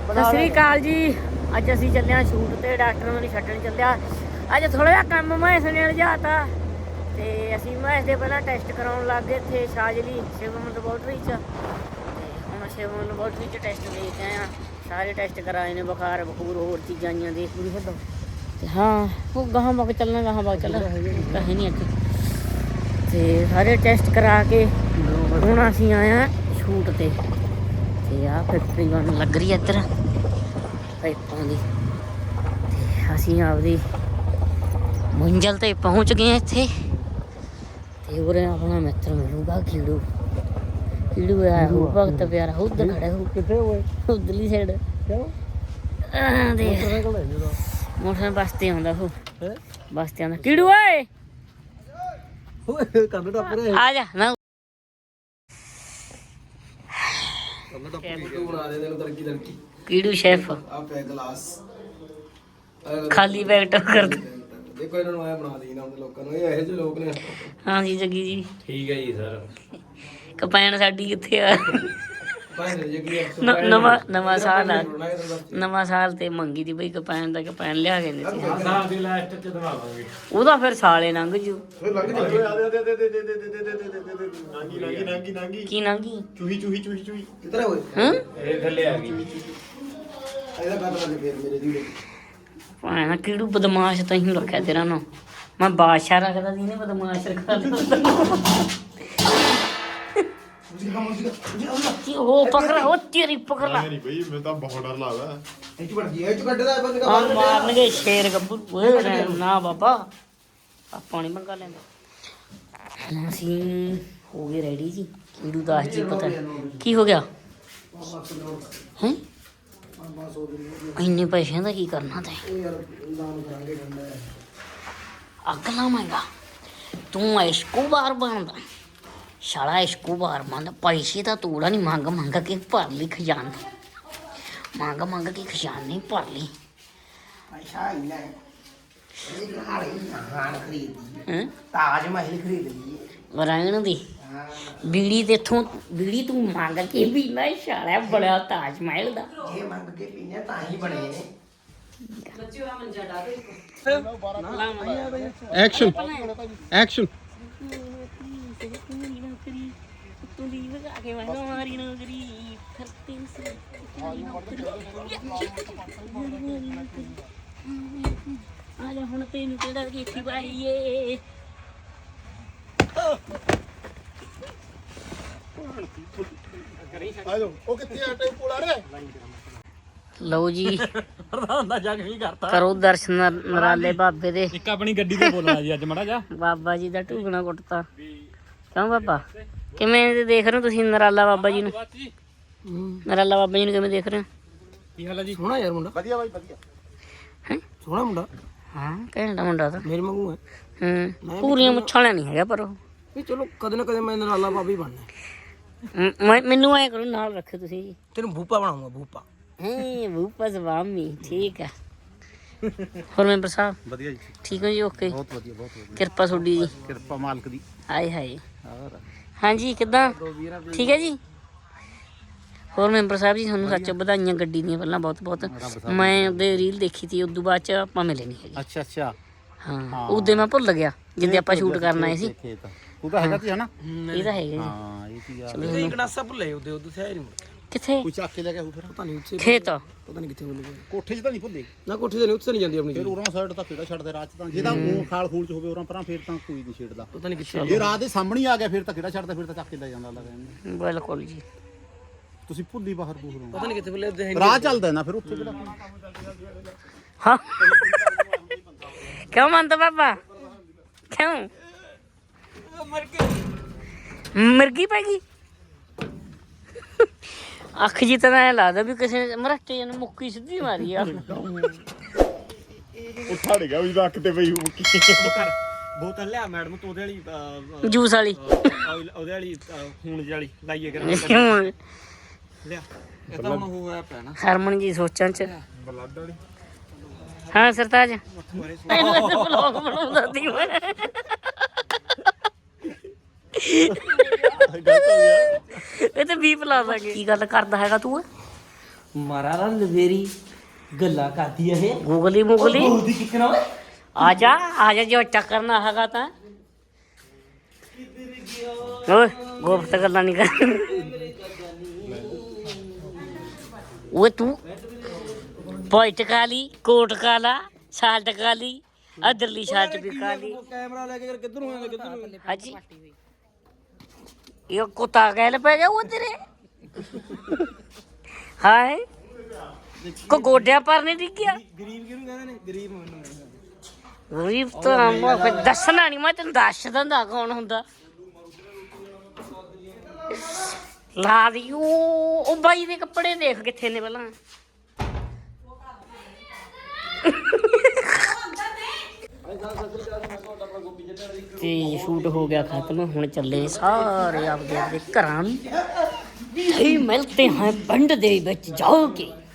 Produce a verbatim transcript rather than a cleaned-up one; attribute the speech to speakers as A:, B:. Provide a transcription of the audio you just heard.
A: ਸਤਿ ਸ੍ਰੀ ਅਕਾਲ ਜੀ। ਅੱਜ ਅਸੀਂ ਚੱਲੇ ਹਾਂ ਸ਼ੂਟ ਤੇ, ਡਾਕਟਰ ਨੂੰ ਛੱਡਣ ਚੱਲਿਆ। ਅੱਜ ਥੋੜਾ ਜਿਹਾ ਕੰਮ ਮਹੇਸ਼ ਨੇ ਲਿਜਾਤਾ ਤੇ ਅਸੀਂ ਮਹੇਸ਼ ਦੇ ਪਹਿਲਾਂ ਟੈਸਟ ਕਰਾਉਣ ਲੱਗ ਗਏ ਇੱਥੇ ਸ਼ਾਜਲੀ ਸ਼ਿਵਮ ਲੈਬੋਰਟਰੀ 'ਚ। ਤੇ ਹੁਣ ਸ਼ਿਵਮ ਲੈਬੋਰਟਰੀ 'ਚ ਟੈਸਟ ਦੇ ਕੇ ਆਏ ਹਾਂ। ਸਾਰੇ ਟੈਸਟ ਕਰਾਏ ਨੇ, ਬੁਖਾਰ ਬਖੂਰ ਹੋਰ ਚੀਜ਼ਾਂ ਆਈਆਂ ਦੇਖ ਪੂਰੀ ਛੱਡੋ। ਤੇ ਹਾਂ ਉਹ ਗਾਹਾਂ ਬਾਗ ਚੱਲਣਾ, ਗਾਹਾਂ ਬਾਗ ਚੱਲਣਾ ਕਹੇ ਨਹੀਂ ਇੱਥੇ। ਤੇ ਸਾਰੇ ਟੈਸਟ ਕਰਾ ਕੇ ਹੁਣ ਅਸੀਂ ਆਏ ਹਾਂ ਸ਼ੂਟ ਤੇ। ਤੇ ਆਹ ਫੈਕਟਰੀ ਬਣ ਲੱਗ ਰਹੀ ਹੈ ਇੱਧਰ ਪਾਈਪਾਂ ਦੀ। ਤੇ ਅਸੀਂ ਆਪਦੀ ਮੰਜ਼ਿਲ ਤੇ ਪਹੁੰਚ ਗਏ ਇੱਥੇ। ਤੇ ਉਰੇ ਆਪਣਾ ਮਿੱਤਰ ਮਿਲੂਗਾ ਕੀੜੂ। ਕੀੜੂ ਆਇਆ ਹੋਊ ਭਗਤ ਪਿਆਰਾ, ਉੱਧਰ ਖੜਾ ਹੋਊ ਕਿੱਥੇ ਹੋਏ ਉੱਧਰਲੀ ਸਾਈਡ। ਮੋਟਰਸਾਈਕਲ ਬੱਸ ਤੇ ਆਉਂਦਾ ਉਹ, ਬੱਸ ਤੇ ਆਉਂਦਾ ਕੀੜੂ ਓਏ ਆ ਜਾ ਨਾ। ਕੀੜੂ ਸ਼ੈਫ ਖਾਲੀ ਪੈਕਟ ਕਰਦਾ।
B: ਦੇਖੋ ਇਹਨਾਂ ਨੂੰ ਆਇਆ ਬਣਾ ਦੇਈਦਾ ਉਹਦੇ ਲੋਕਾਂ ਨੂੰ, ਇਹ ਇਹੋ ਜਿਹੇ ਲੋਕ ਨੇ।
A: ਹਾਂ ਜੀ ਜੱਗੀ ਜੀ
C: ਠੀਕ ਹੈ ਜੀ ਸਰ।
A: ਕਪੈਨ ਸਾਡੀ ਕਿੱਥੇ ਆ?
B: ਭਾਵੇਂ ਜੱਗੀ
A: ਨਵਾਂ ਨਵਾਂ ਸਾਲ ਆ, ਨਵਾਂ ਸਾਲ ਤੇ ਮੰਗੀ ਦੀ ਬਈ ਕਪੈਨ ਦਾ, ਕਪੈਨ ਲਿਆ ਕੇ ਦਿੱਤੀ।
C: ਸਾਲ ਦੀ ਲਾਸਟ ਚ ਦਵਾਵਾਂਗੇ
A: ਉਹਦਾ ਫਿਰ ਸਾਲੇ ਲੰਘ ਜੂ।
C: ਨਾਂਗੀ ਨਾਂਗੀ ਨਾਂਗੀ ਨਾਂਗੀ
A: ਕੀ ਲੰਘੀ?
C: ਚੂਹੀ ਚੂਹੀ ਚੂਹੀ ਚੂਹੀ
B: ਕਿੱਧਰ ਹੋਏ
A: ਹਾਂ
C: ਇਹ ਥੱਲੇ ਆ ਗਈ।
B: ਇਹਦਾ ਪਤਾ ਲੱਗ ਫੇਰ ਮੇਰੇ ਦੀ
A: ਭਾਣਾ ਕਿਹੜੂ ਬਦਮਾਸ਼ ਤਾਂ ਹੀ ਰੱਖਿਆ ਤੇਰਾ ਨਾ। ਮੈਂ ਬਾਦਸ਼ਾਹ ਰੱਖਦਾ ਸੀ, ਇਹਨੇ ਬਦਮਾਸ਼ ਰੱਖਾ ਉਹ ਪਕੜਾ, ਉਹ ਤੇਰੀ ਪਕੜਾ।
C: ਨਹੀਂ ਬਈ ਮੈਨੂੰ ਤਾਂ ਬਹੁਤ ਡਰ ਲੱਗਦਾ।
B: ਇਹ ਚ ਵੜ ਗਿਆ, ਇਹ ਚ ਕੱਢਦਾ ਬੰਦ
A: ਹਾਂ ਮਾਰਨਗੇ ਸ਼ੇਰ ਗੱਭਰੂ। ਓਏ ਨਾ ਬਾਬਾ ਆਪਾਂ ਨਹੀਂ ਮੰਗਾ ਲੈਂਦਾ। ਅਸੀਂ ਹੋ ਗਏ ਰੈਡੀ ਜੀ। ਕੀੜੂ ਦੱਸ ਜੀ ਪਤਾ ਕੀ ਹੋ ਗਿਆ ਹੈ? ਇੰਨੇ ਪੈਸਿਆਂ ਦਾ ਕੀ ਕਰਨਾ ਤੈਂ? ਅੱਗ ਲਾਵਾਂਗਾ ਤੂੰ? ਐਸ਼ਕੂਬਾਰ ਬਣਦਾ ਸਾਲਾ, ਐਸ਼ਕੂਬਾਰ ਬਣਦਾ। ਪੈਸੇ ਤਾਂ ਤੂੜਾ ਨਹੀਂ ਮੰਗ ਮੰਗ ਕੇ ਭਰ ਲਈ ਖਜ਼ਾਨਾ, ਮੰਗ ਮੰਗ ਕੇ ਖਜ਼ਾਨੇ ਭਰ ਲਈ।
B: ਤਾਜ ਮਹਿਲ ਖਰੀਦ ਲਈ
A: ਰਹਿਣ ਦੀ ਬੀੜੀ ਤੇ ਇੱਥੋਂ ਬੀੜੀ ਤੂੰ ਮੰਗ ਕੇ ਵੀ ਨਾ ਸਾਲਾ ਬੜਾ ਤਾਜ ਮਹਿਲ ਦਾ।
B: ਇਹ ਮੰਗ ਕੇ ਪੀਣੇ ਤਾਂ ਹੀ ਬਣੇ ਨੇ।
D: ਐਕਸ਼ਨ ਐਕਸ਼ਨ
A: ਆ ਜਾ ਹੁਣ ਤੈਨੂੰ ਕਿਹੜਾ ਕੀਤੀ ਪਾਈਏ।
D: ਉਹ ਕਿੱਥੇ ਆ ਟੈਂਪੂ ਲਾ ਰੇ?
A: ਲਓ ਜੀ
C: ਪ੍ਰਧਾਨ ਦਾ ਜਗ ਵੀ ਕਰਤਾ।
A: ਕਰੋ ਦਰਸ਼ਨ ਨਰਾਲੇ ਬਾਬੇ ਦੇ।
C: ਇੱਕ ਆਪਣੀ ਗੱਡੀ ਤੇ ਬੋਲਣਾ ਜੀ ਅੱਜ ਮੜਾ ਜਾ।
A: ਬਾਬਾ ਜੀ ਦਾ ਢੂਕਣਾ ਕੁੱਟਤਾ। ਕਿਉਂ ਬਾਬਾ ਕਿਵੇਂ ਦੇਖ ਰਹੇ ਹੋ ਤੁਸੀਂ ਨਰਾਲਾ ਬਾਬਾ ਜੀ ਨੂੰ? ਨਰਾਲਾ ਬਾਬਾ ਜੀ ਨੂੰ ਕਿਵੇਂ ਦੇਖ ਰਹੇ ਹੋ?
C: ਕੀ ਹਾਲ ਹੈ ਜੀ?
B: ਸੋਹਣਾ ਯਾਰ ਮੁੰਡਾ,
D: ਵਧੀਆ ਬਾਈ ਵਧੀਆ।
A: ਹੈ
B: ਸੋਹਣਾ ਮੁੰਡਾ,
A: ਹਾਂ ਘੈਂਟਾ ਮੁੰਡਾ ਤਾਂ।
B: ਮੇਰੇ ਵਾਂਗੂ ਹੈ।
A: ਹੂੰ ਪੂਰੀਆਂ ਮੁੱਛਾਂ ਵਾਲਾ ਨਹੀਂ ਹੈਗਾ ਪਰ ਉਹ।
B: ਵੀ ਚਲੋ ਕਦੇ ਨਾ ਕਦੇ ਮੈਂ ਨਰਾਲਾ ਬਾਬਾ ਹੀ ਬਣਨਾ।
A: ਮ- ਮੈਂ ਮੈਨੂੰ ਐਂ ਕਰੋ ਨਾਲ ਰੱਖੋ ਤੁਸੀਂ ਜੀ।
B: ਤੈਨੂੰ ਭੂਪਾ ਬਣਾਉਂਗਾ, ਭੂਪਾ।
A: ਹਾਂ ਭੂਪਾ ਸਵਾਮੀ ਠੀਕ ਆ। ਹੋਰ ਮੈਂਬਰ ਸਾਹਿਬ
D: ਵਧੀਆ ਜੀ,
A: ਠੀਕ ਹੋ ਜੀ? ਓਕੇ
D: ਬਹੁਤ ਵਧੀਆ ਬਹੁਤ ਵਧੀਆ।
A: ਕਿਰਪਾ ਤੁਹਾਡੀ ਜੀ।
D: ਕਿਰਪਾ ਮਾਲਕ ਦੀ।
A: ਹਾਏ ਹਾਏ ਹਾਂਜੀ ਕਿੱਦਾਂ ਠੀਕ ਹੈ ਜੀ? ਹੋਰ ਮੈਂਬਰ ਸਾਹਿਬ ਜੀ ਤੁਹਾਨੂੰ ਸੱਚ ਵਧਾਈਆਂ ਗੱਡੀ ਦੀਆਂ ਪਹਿਲਾਂ ਬਹੁਤ ਬਹੁਤ। ਮੈਂ ਉਹਦੇ ਰੀਲ ਦੇਖੀ ਸੀ, ਉਦੋਂ ਬਾਅਦ ਚ ਆਪਾਂ ਮਿਲੇ ਨਹੀਂ ਹੈਗੇ।
D: ਅੱਛਾ ਅੱਛਾ
A: ਹਾਂ ਉਹਦੇ ਮੈਂ ਭੁੱਲ ਗਿਆ ਜਿੱਦੇ ਆਪਾਂ ਸ਼ੂਟ ਕਰਨ ਆਏ ਸੀ।
D: ਤੂੰ ਤਾਂ ਹੈਗਾ ਸੀ ਹਨਾ?
A: ਇਹ ਤਾਂ ਹੈਗਾ ਜੀ।
D: ਹਾਂ ਇਹ ਕੀ ਆ।
B: ਤੁਸੀਂ ਗਣਾਸਾ ਭੁੱਲੇ ਉਹਦੇ ਉਹਦੇ ਸਿਆ ਨਹੀਂ
A: ਕਿੱਥੇ?
D: ਕੋਈ ਚੱਕ ਕੇ ਲੈ ਕੇ ਆਉ ਫਿਰ।
B: ਪਤਾ ਨਹੀਂ ਉੱਥੇ,
A: ਖੇਤ
B: ਪਤਾ ਨਹੀਂ ਕਿੱਥੇ ਭੁੱਲ ਗਏ।
D: ਕੋਠੇ 'ਚ ਤਾਂ ਨਹੀਂ ਭੁੱਲੇ
B: ਨਾ ਕੋਠੇ ਤੇ ਨਹੀਂ, ਉੱਥੇ ਨਹੀਂ ਜਾਂਦੀ ਆਪਣੀ
D: ਫਿਰ
B: ਜੀ।
D: ਉਰਾਂ ਸਾਈਡ ਤਾਂ ਕਿਹੜਾ ਛੱਡਦੇ ਰਾਹ 'ਚ ਤਾਂ। ਜੇ ਤਾਂ ਉਹ ਖਾਲ ਖੂਲ 'ਚ ਹੋਵੇ ਉਰਾਂ ਪਰਾਂ ਫਿਰ ਤਾਂ ਕੋਈ ਨਹੀਂ ਛੇੜਦਾ।
B: ਪਤਾ ਨਹੀਂ ਕਿੱਥੇ।
D: ਜੇ ਰਾਹ ਦੇ ਸਾਹਮਣੇ ਆ ਗਿਆ ਫਿਰ ਤਾਂ ਕਿਹੜਾ ਛੱਡਦਾ, ਫਿਰ ਤਾਂ ਚੱਕ ਕੇ ਲੈ ਜਾਂਦਾ ਲੱਗਦਾ।
A: ਬਿਲਕੁਲ ਜੀ।
D: ਤੁਸੀਂ ਭੁੱਲੀ ਬਾਹਰ ਬੂਹਰ
B: ਪਤਾ ਨਹੀਂ ਕਿੱਥੇ ਭੁੱਲੇ ਉਹਦੇ।
D: ਰਾਹ ਚੱਲਦਾ ਨਾ ਫਿਰ ਉੱਥੇ ਕਿਹੜਾ।
A: ਹਾਂ ਕਿਉਂ ਮੰਨਦਾ ਬਾਬਾ? ਕਿਉਂ ਮਿਰਗੀ ਪੈ ਗਈ ਅੱਖ ਜੀ ਤਾਂ ਐਂ ਲੱਗਦਾ ਵੀ ਕਿਸੇ ਨੇ ਮਰਾਟੇ ਨੂੰ ਮੁੱਕੀ ਸਿੱਧੀ ਮਾਰੀ ਆ।
D: ਉੱਠਾ ੜ ਗਿਆ ਵੀ ਰੱਖ ਤੇ ਪਈ ਮੁੱਕੀ।
C: ਬੋਤਲ ਲਿਆ ਮੈਡਮ ਤੂੰ ਉਹਦੇ ਵਾਲੀ
A: ਜੂਸ ਵਾਲੀ
C: ਉਹਦੇ ਵਾਲੀ ਖੂਨ ਜਿਹੀ ਵਾਲੀ ਲਾਈਏ ਕਰ ਲਿਆ। ਇਹ ਤਾਂ ਹੁਣ ਹੋਇਆ ਪਿਆ ਨਾ
A: ਹਰਮਨ ਜੀ ਸੋਚਾਂ ਚ। ਹਾਂ ਸਰਤਾਜ ਬਲੌਗ ਬਣਾਉਂਦਾ ਸੀ ਮੈਂ। ਇਹ ਤੇ ਵੀਹ ਲਾ ਦਾਂਗੇ। ਕੀ ਗੱਲ ਕਰਦਾ ਹੈਗਾ ਤੂੰ?
E: ਮਾਰਾ ਰਾ ਲਵੇਰੀ ਗੱਲਾਂ ਕਰਦੀ ਆ ਇਹ
A: ਗੂਗਲੀ ਮੁਗਲੀ
E: ਉਹਦੀ ਕਿਕਣਾ ਓਏ
A: ਆ ਜਾ ਆ ਜਾ ਜੋ ਟੱਕਰਨਾ ਹੈਗਾ ਤਾਂ ਓਏ ਗੋਪਤ ਗੱਲਾਂ ਨਹੀਂ ਕਰ ਓਏ ਤੂੰ ਪੁਆਇੰਟ ਕਾਲੀ ਕੋਟ ਕਾਲਾ ਸ਼ਾਲਟ ਕਾਲੀ ਅਦਰਲੀ ਸ਼ਾਲਟ ਵੀ ਕਾਲੀ
B: ਕੈਮਰਾ ਲੈ ਕੇ ਕਿੱਧਰ ਨੂੰ ਆਇਆ ਕਿੱਧਰ ਨੂੰ
A: ਹਾਂਜੀ ਇਹ ਕੁੱਤਾ ਗੈਲ ਪੈ ਗਿਆ ਉਹ ਤੇਰੇ ਹਾਏ ਕੋ ਗੋਡਿਆਂ ਪਰ ਨਹੀਂ ਡਿੱਗਿਆ
B: ਗਰੀਬ ਕਿਹਨੂੰ ਕਹਿੰਦੇ ਨੇ ਗਰੀਬ ਮੈਨੂੰ
A: ਗਰੀਬ ਤਾਂ ਮੈਂ ਫਿਰ ਦੱਸਣਾ ਨਹੀਂ ਮੈਂ ਤੈਨੂੰ ਦੱਸ ਦਿੰਦਾ ਕੌਣ ਹੁੰਦਾ ਲਾ ਦੀ ਉਹ ਉਹ ਬਾਈ ਦੇ ਕੱਪੜੇ ਦੇਖ ਕਿੱਥੇ ਨੇ ਪਹਿਲਾਂ ਤੇ ਸ਼ੂਟ ਹੋ ਗਿਆ ਖਤਮ ਹੁਣ ਚੱਲੇ ਸਾਰੇ ਆਪਦੇ ਆਪਦੇ ਘਰਾਂ ਨੂੰ ਨਹੀਂ ਮਿਲਤੇ ਹਾਂ ਪਿੰਡ ਦੇ ਵਿੱਚ ਜਾਓਗੇ